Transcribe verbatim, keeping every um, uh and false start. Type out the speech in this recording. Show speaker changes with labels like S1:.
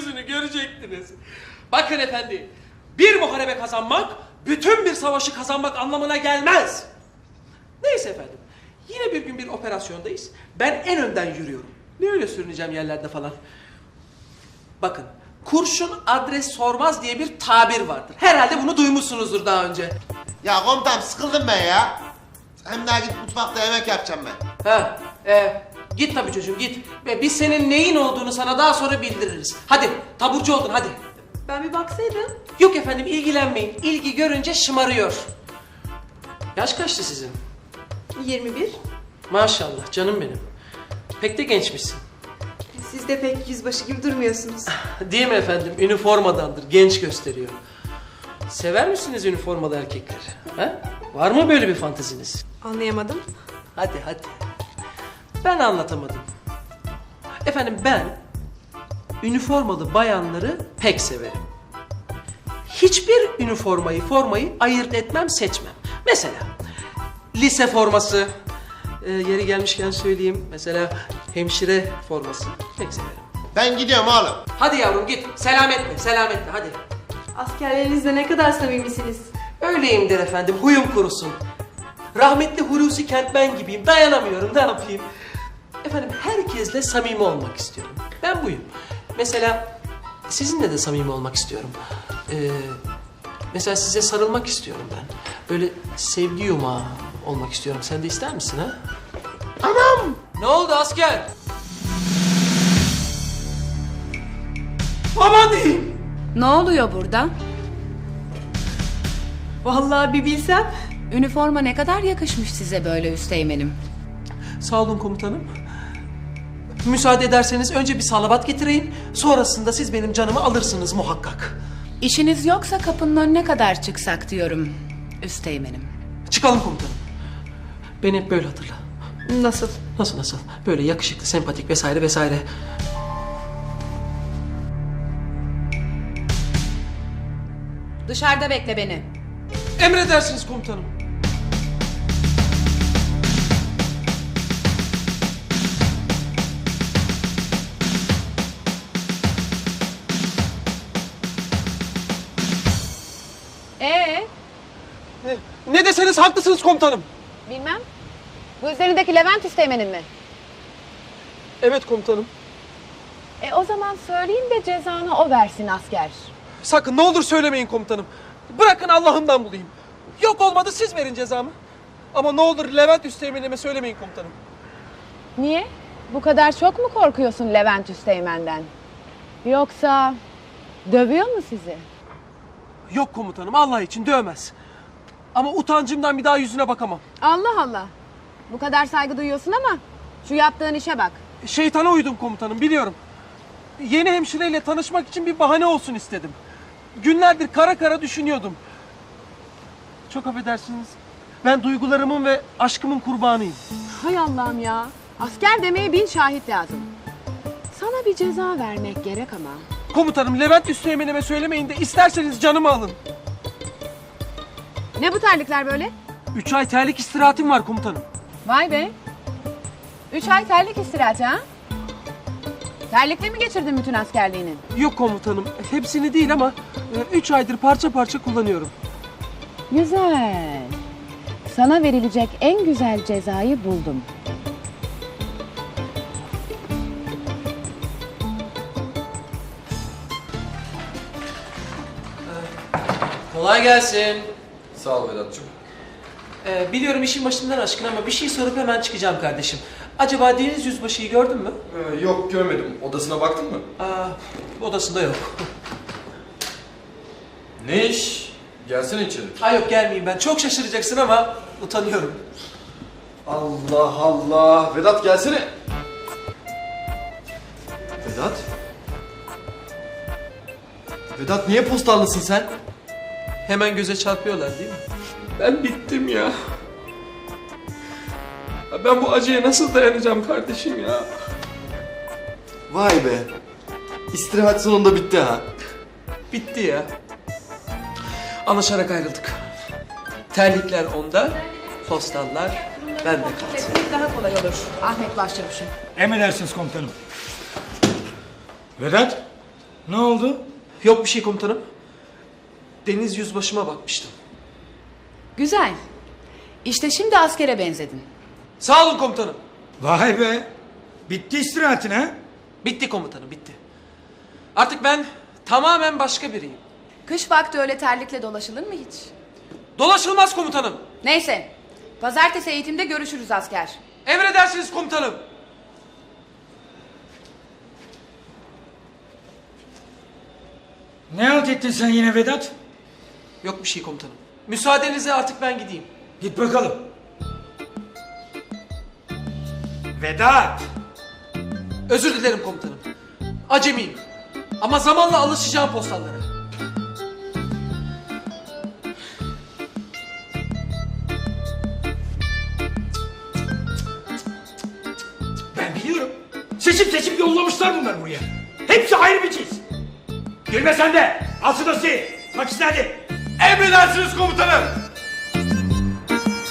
S1: yüzünü görecektiniz. Bakın efendi, bir muharebe kazanmak, bütün bir savaşı kazanmak anlamına gelmez. Neyse efendim, yine bir gün bir operasyondayız. Ben en önden yürüyorum. Ne öyle sürüneceğim yerlerde falan. Bakın, kurşun adres sormaz diye bir tabir vardır. Herhalde bunu duymuşsunuzdur daha önce.
S2: Ya komutanım sıkıldım ben ya. Hem daha git mutfakta yemek yapacağım ben.
S1: Ha, e, git tabii çocuğum git. Ve biz senin neyin olduğunu sana daha sonra bildiririz. Hadi, taburcu oldun hadi.
S3: Ben bir baksaydım.
S1: Yok efendim, ilgilenmeyin. İlgi görünce şımarıyor. Yaş kaçtı sizin?
S3: yirmi bir.
S1: Maşallah canım benim. Pek de gençmişsin.
S3: Siz de pek yüzbaşı gibi durmuyorsunuz.
S1: Değil mi efendim? Üniformadandır, genç gösteriyor. Sever misiniz üniformalı erkekleri? Ha? Var mı böyle bir fanteziniz?
S3: Anlayamadım.
S1: Hadi hadi. Ben anlatamadım. Efendim ben üniformalı bayanları pek severim. Hiçbir üniformayı, formayı ayırt etmem, seçmem. Mesela lise forması, e, yeri gelmişken söyleyeyim. Mesela hemşire forması pek severim.
S2: Ben gidiyorum oğlum.
S1: Hadi yavrum git. Selametle, selametle hadi.
S3: Askerlerinizle ne kadar samimisiniz.
S1: Öyleyimdir efendim, huyum kurusun. Rahmetli Hulusi Kentmen gibiyim, dayanamıyorum, ne yapayım? Efendim herkesle samimi olmak istiyorum. Ben buyum. Mesela sizinle de samimi olmak istiyorum. Ee, mesela size sarılmak istiyorum ben. Böyle sevgi yumağı olmak istiyorum. Sen de ister misin ha? Anam! Ne oldu asker? Aman diyeyim!
S4: Ne oluyor burada?
S3: Vallahi bir bilsem.
S4: Üniforma ne kadar yakışmış size böyle üsteğmenim.
S1: Sağ olun komutanım. Müsaade ederseniz önce bir salavat getireyim. Sonrasında siz benim canımı alırsınız muhakkak.
S4: İşiniz yoksa kapının önüne kadar çıksak diyorum üsteğmenim.
S1: Çıkalım komutanım. Beni hep böyle hatırla.
S3: Nasıl?
S1: Nasıl nasıl? Böyle yakışıklı, sempatik vesaire vesaire.
S4: Dışarıda bekle beni.
S1: Emredersiniz komutanım.
S4: Ee,
S1: Ne, ne deseniz haklısınız komutanım.
S4: bilmem. Bu üzerindeki Levent üsteğmenin mi?
S1: Evet komutanım.
S4: E o zaman söyleyin de cezanı o versin asker.
S1: Sakın ne olur söylemeyin komutanım. Bırakın Allah'ımdan bulayım. Yok olmadı siz verin cezamı. Ama ne olur Levent Üsteğmen'ime söylemeyin komutanım.
S4: Niye? Bu kadar çok mu korkuyorsun Levent Üsteğmen'den? Yoksa dövüyor mu sizi?
S1: Yok komutanım, Allah için dövmez. Ama utancımdan bir daha yüzüne bakamam.
S4: Allah Allah. Bu kadar saygı duyuyorsun ama şu yaptığın işe bak.
S1: Şeytana uydum komutanım, biliyorum. Yeni hemşireyle tanışmak için bir bahane olsun istedim. Günlerdir kara kara düşünüyordum. Çok affedersiniz. Ben duygularımın ve aşkımın kurbanıyım.
S4: Hay Allah'ım ya. Asker demeye bin şahit lazım. Sana bir ceza vermek gerek ama.
S1: Komutanım Levent Üsteğmen'ime söylemeyin de isterseniz canımı alın.
S4: Ne bu terlikler böyle?
S1: Üç ay terlik istirahatim var komutanım.
S4: Vay be. Üç ay terlik istirahat ha? Terlikle mi geçirdin bütün askerliğini?
S1: Yok komutanım, hepsini değil ama e, üç aydır parça parça kullanıyorum.
S4: Güzel. Sana verilecek en güzel cezayı buldum.
S1: Kolay gelsin.
S5: Sağ ol Vedat'cığım.
S1: Ee, biliyorum işin başından aşkın ama bir şey sorup hemen çıkacağım kardeşim. Acaba Deniz Yüzbaşı'yı gördün mü?
S5: Ee, yok görmedim. Odasına baktın mı?
S1: Aa, odasında yok.
S5: Ne iş? Gelsene içeri.
S1: Ay yok gelmeyeyim ben. Çok şaşıracaksın ama utanıyorum.
S5: Allah Allah. Vedat gelsene. Vedat? Vedat niye postallısın sen?
S1: Hemen göze çarpıyorlar değil mi? Ben bittim ya. Ya ben bu acıya nasıl dayanacağım kardeşim ya?
S5: Vay be. İstirahat sonunda bitti ha.
S1: Bitti ya. Anlaşarak ayrıldık. Terlikler onda, postallar bende kaldı.
S4: Daha kolay olur. Ahmet Başçavuş'um.
S6: Emredersiniz komutanım. Vedat, Ne oldu?
S1: Yok bir şey komutanım. Deniz yüzbaşıma bakmıştım.
S4: Güzel. İşte şimdi askere benzedin.
S1: Sağ olun komutanım.
S6: Vay be. Bitti istirahatin ha?
S1: Bitti komutanım, bitti. Artık ben tamamen başka biriyim.
S4: Kış vakti öyle terlikle dolaşılır mı hiç?
S1: Dolaşılmaz komutanım.
S4: Neyse. Pazartesi eğitimde görüşürüz asker.
S1: Emredersiniz komutanım.
S6: Ne halt ettin sen yine Vedat?
S1: Yok bir şey komutanım. Müsaadenizle artık ben gideyim.
S6: Git bakalım. Vedat!
S1: Özür dilerim komutanım. Acemiyim. Ama zamanla alışacağım postallara.
S6: Ben biliyorum. Seçip seçip yollamışlar bunlar buraya. Hepsi ayrı bir cins. Gülme sen de. Al şu dosyayı. Bak işte hadi.
S5: Emredersiniz komutanım.